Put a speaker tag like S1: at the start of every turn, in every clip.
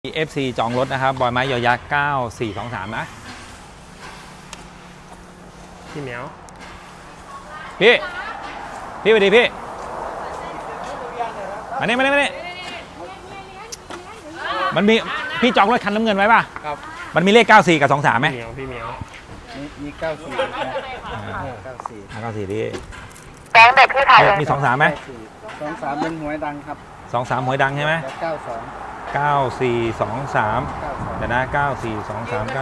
S1: FC จองรถนะครับบอยไม้ยอยักษ์9423นะ
S2: พี่เหมียว
S1: พี่สวัสดีพี่มานี่มันมีพี่จองรถคันน้ำเงินไว้ป่ะ
S2: ครับ
S1: มันมีเลข94กับ23ไหม
S2: พี่เหมียว
S3: มี9494
S1: พี่
S4: แบงค์เด็กพี่ถ่ายเลย
S1: มี23ไหม
S3: 23เป็นหวยดังครับ
S1: 23หวยดังใช่ไหม9423เดี๋ยวนะ9423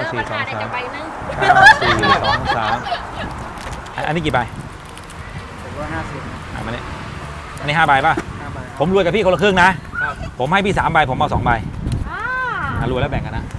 S1: อันนี้กี่ใบ
S3: 150
S1: มาเนี่ยอันนี้5ใบป่ะผมรวยกับพี่คนละครึ่งนะผมให้พี่3ใบผมเอา2ใบรวยแล้วแบ่งกันนะ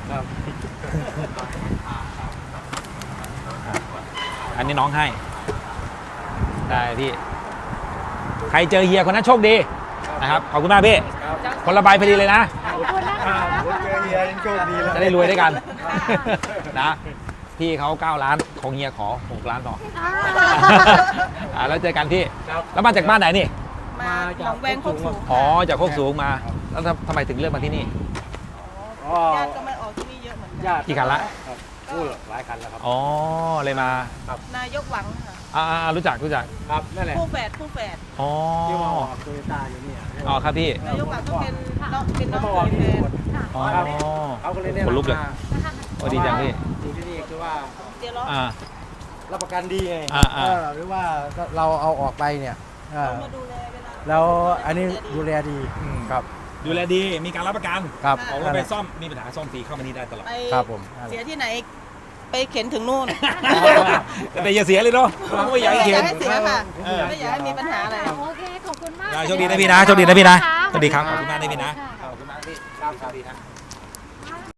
S1: อันนี้น้องให้ได้พี่ใครเจอเฮียคนนั้นโชคดีนะครับขอบคุณมากพี่คนละใบพอดีเลยนะ
S3: เจอเฮียยังโชคดีแล้ว
S1: จะได้รวยด้วยกันนะพี่เขา9 ล้านของเฮียขอ6 ล้านต่อแล้วเจอกันพี่แล้วมาจากบ้านไหนนี่
S4: มาจากแวงโคกสูง
S1: อ๋อจากโคกสูงมาแล้วทำไมถึงเลือกมาที่นี่
S4: ญาติก็มาออกที่นี่เยอะเหมือนกัน
S1: กี่คันละ
S3: หลายคันแล้วครับ
S1: อ๋อเลยมา
S4: นายกหวังค่ะ
S1: รู้จัก
S3: ครับนั่นแหละ
S4: คู่แฝด
S1: อ๋อ
S3: ที่มาออกโตโยต้าอยู่นี่
S1: อ๋อครับพี่
S4: นายกหวังก็เป็นน้องแฟน
S1: อ๋อ
S3: เขาก็เลยเนี่ย
S1: คนลุกเลยดีจังพี่
S3: อยู่ที่นี่คือว่า
S4: เดี๋ยวรอ
S3: รับประกันดีไงหรือว่าเราเอาออกไปเนี่ย
S4: มาดูแลเวลา
S3: แล้วอันนี้ดูแลดีครับ
S1: ดูแลดีมีการรับประกัน
S3: ครับ
S1: ออกรถไปซ่อมมีปัญหาซ่อมฟรีเข้ามานี่ได้ตลอด
S3: ครับผม
S4: เสียที่ไหนไปเข็นถึงนู่น
S1: แต่อย่าเสียเลยเนาะไม่อยากให้เข็น
S4: ไม่เสียค่ะไม่อยากให้มีปัญหาอะไร
S5: โอเคขอบคุณมาก
S1: โชคดีนะพี่นะโชคดีนะพี่นะสวัสดีครับขอบคุณมากนะพี่นะขอบคุณมากพี่สวัสดีนะ